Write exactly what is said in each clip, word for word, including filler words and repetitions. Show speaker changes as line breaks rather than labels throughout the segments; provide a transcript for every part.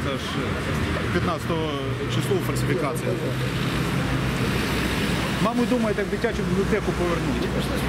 це ж п'ятнадцятого число фальсифікація. Маму думаєте, як дитячу бібліотеку повернути.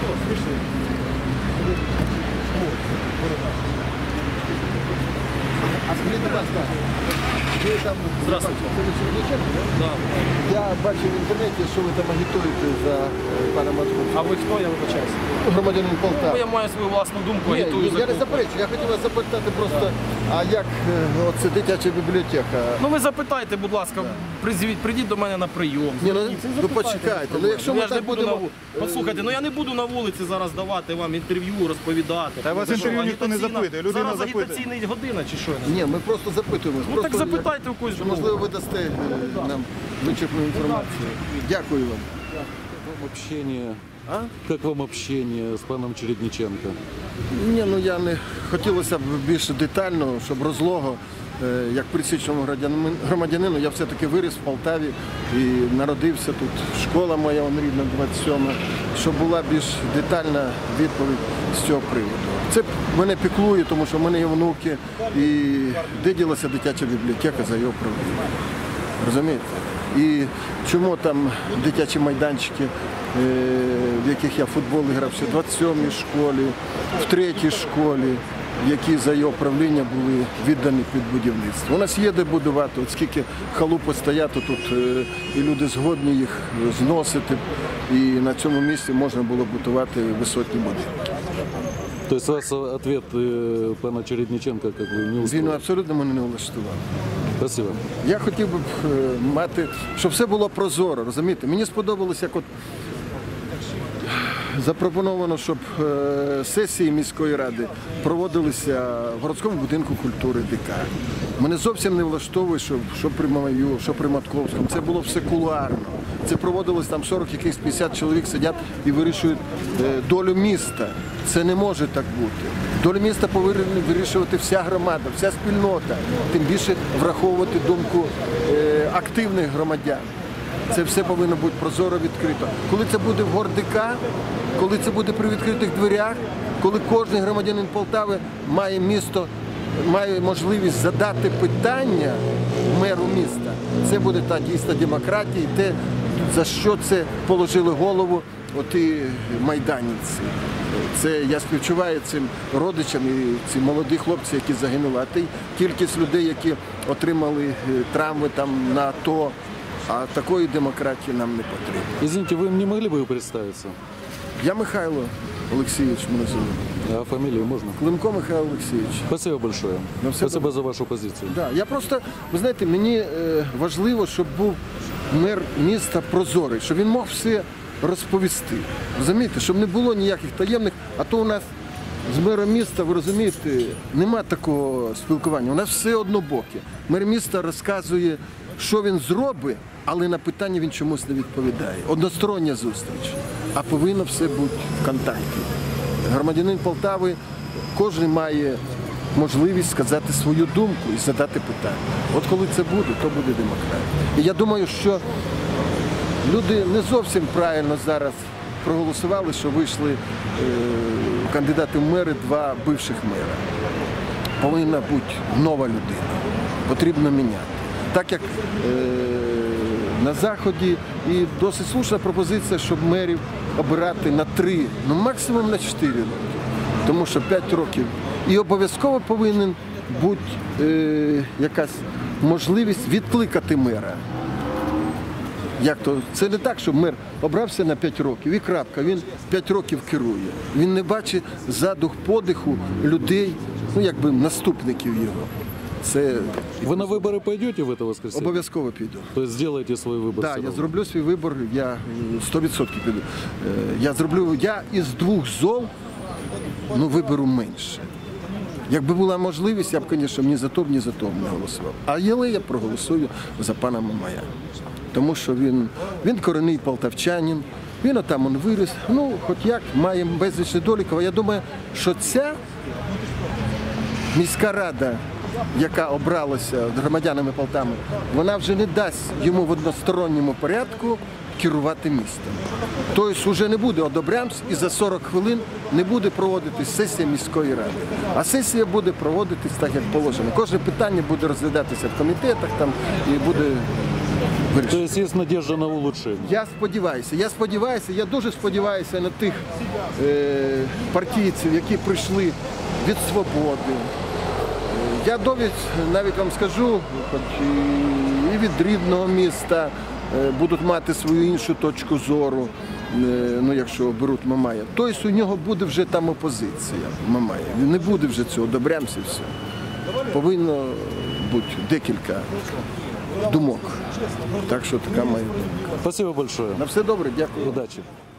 А скажіть, будь ласка, ви там...
Здравствуйте. Да.
Я бачив в інтернеті, що ви там агітуєте за пана Матку.
А ви хто, я вибачаюся?
Громадянин Полтави.
Ну, я маю свою власну думку,
Ні,
агітую
я
за
не
кого.
заперечую. Я хотів вас запитати просто, а як е, оце дитяча бібліотека?
Ну ви запитайте, будь ласка, призвіть, прийдіть до мене на прийом.
Ні, ну,
Зверніться,
ну
запитайте,
почекайте,
без
ну якщо
проблем.
ми
я ж не
так
буду на
будемо...
вулиці. Послухайте, ну я не буду на вулиці зараз давати вам інтерв'ю, розповідати.
Та вас
Це
інтерв'ю
що,
ніхто не
агітаційна-
запитує, людина
Зараз
запитує.
агітаційна година чи що?
Ні, ми просто запитуємо.
Ну
Просто
так запитайте у когось.
Що, можливо, ви дасте е, нам вичерпну інформацію. Дякую вам.
Вам общение, как вам общение с паном Чередниченко?
Ні, ну я не хотілося б більш детально, щоб розлого, е, як пересічному громадянину- громадянину, я все-таки виріс в Полтаві і народився тут. Школа моя он рідна, двадцять сьома, щоб була більш детальна відповідь з цього приводу. Це мене піклує, тому що в мене є внуки, і де ділася дитяча бібліотека за його правління. Розумієте? І чому там дитячі майданчики, е, в яких я в футбол грав ще в двадцять сьомій школі, в третій школі, які за його правління були віддані під будівництво. У нас є де будувати, от скільки халупи стоять тут, е, і люди згодні їх зносити, і на цьому місці можна було будувати висотні будинки.
То есть вас ответ э, пана Чередниченко как бы не
Він
устроил?
абсолютно мене не влаштував.
Спасибо.
Я хотів би е, мати, щоб все було прозоро, розумієте? Мені сподобалось, як от запропоновано, щоб е, сесії міської ради проводилися в городському будинку культури ДК. Мене зовсім не влаштовує, що, що при Мамаю, що при Матковському. Це було все кулуарно. Це проводилось там сорок, якихось п'ятдесят чоловік сидять і вирішують е, долю міста. Це не може так бути. Долю міста повинна вирішувати вся громада, вся спільнота. Тим більше враховувати думку е, активних громадян. Це все повинно бути прозоро, відкрито. Коли це буде в гордика, коли це буде при відкритих дверях, коли кожен громадянин Полтави має місто, має можливість задати питання меру міста, це буде та дійсна демократія, і те, за що це положили голову оті майданівці. Це я співчуваю цим родичам і ці молоді хлопці, які загинули. А ти кількість людей, які отримали травми там на АТО, а такої демократії нам не потрібно.
Извините, вы не могли бы вы представиться?
Я Михайло Олексійович мене звуть.
А фамилию можно?
Климко Михайло Олексійович.
Спасибо большое.
Ну, все
Спасибо
добре.
за вашу позицию.
Да, я просто, ви знаєте, мені е, важливо, щоб був мер міста прозорий, щоб він мог все розповісти. Розумієте, щоб не було ніяких таємних, а то у нас з мером міста, ви розумієте, нема такого спілкування. У нас все однобоке. Мер міста розказує, що він зробить, але на питання він чомусь не відповідає. Одностороння зустріч. А повинно все бути в контакті. Громадянин Полтави, кожен має можливість сказати свою думку і задати питання. От коли це буде, то буде демократія. І я думаю, що люди не зовсім правильно зараз проголосували, що вийшли е, кандидати в мери, два бивших мера. Повинна бути нова людина. Потрібно міняти. Так як е, на Заході і досить слушна пропозиція, щоб мерів обирати на три, ну максимум на чотири роки. Тому що п'ять років. І обов'язково повинен бути е, якась можливість відкликати мера. Як то? Це не так, що мер обрався на п'ять років і крапка, він п'ять років керує. Він не бачить задух подиху людей, ну якби наступників його. Це
Вы на выборы пойдете в это воскресенье?
обов'язково піду.
То есть сделаете свой выбор?
Так,
все
я
равно?
зроблю свій вибір, я сто відсотків піду. Е, Я зроблю, я із двох зол, ну, виберу менше. Якби була можливість, я б, звісно, ні за то, ні за то не голосував. А але я проголосую за пана Мамая. Тому що він, він корінний полтавчанин, він отам он виріс, ну, хоч як, має безліч недоліків. А я думаю, що ця міська рада, яка обралася громадянами Полтави, вона вже не дасть йому в односторонньому порядку керувати містом. Тобто вже не буде одобрямс і за сорок хвилин не буде проводитись сесія міської ради. А сесія буде проводитись так, як положено. Кожне питання буде розглядатися в комітетах там, і буде
То
вирішено.
есть есть надежда на улучшение.
Я сподіваюся, я сподіваюся, я дуже сподіваюся на тих е, партійців, які прийшли від свободи. Е, Я довідь навіть вам скажу, хоч і, і від рідного міста е, будуть мати свою іншу точку зору, е, ну якщо беруть Мамая. Тобто у нього буде вже там опозиція Мамая. Не буде вже цього, добрямся все. Повинно бути декілька думок. Так що така моя думка.
Спасибо большое.
На все добре, дякую.
Удачи.